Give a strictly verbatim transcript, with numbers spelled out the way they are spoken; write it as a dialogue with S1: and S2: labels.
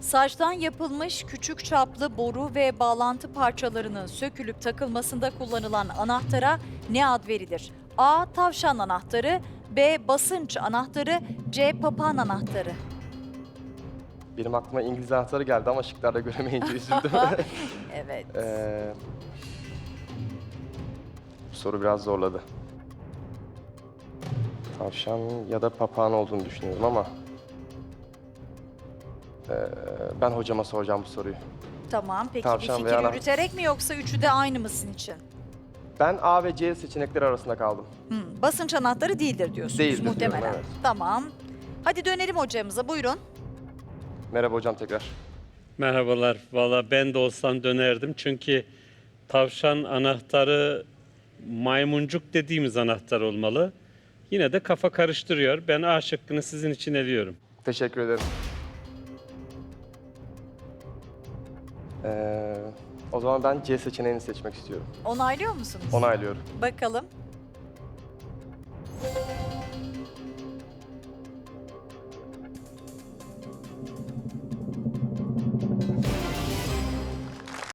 S1: Saçtan yapılmış küçük çaplı boru ve bağlantı parçalarının sökülüp takılmasında kullanılan anahtara ne ad verilir? A. Tavşan anahtarı, B. Basınç anahtarı, C. Papağan anahtarı.
S2: Benim aklıma İngiliz anahtarı geldi ama şıklarda göremeyince üzüldüm.
S1: Evet.
S2: Ee, bu soru biraz zorladı. Tavşan ya da papağan olduğunu düşünüyorum ama... ee, ben hocama soracağım bu soruyu.
S1: Tamam. Peki
S2: Tavşan
S1: bir
S2: veya
S1: fikir
S2: anahtar.
S1: yürüterek mi yoksa üçü de aynı mısın için?
S2: Ben A ve C seçenekleri arasında kaldım.
S1: Hmm, basınç anahtarı değildir diyorsunuz
S2: Değildir diyorum,
S1: muhtemelen.
S2: evet.
S1: Tamam. Hadi dönelim hocamıza. Buyurun.
S2: Merhaba hocam tekrar.
S3: Merhabalar. Valla ben de olsam dönerdim. Çünkü tavşan anahtarı maymuncuk dediğimiz anahtar olmalı. Yine de kafa karıştırıyor. Ben A şıkkını sizin için eliyorum.
S2: Teşekkür ederim. Ee, o zaman ben C seçeneğini seçmek istiyorum.
S1: Onaylıyor musunuz?
S2: Onaylıyorum.
S1: Bakalım.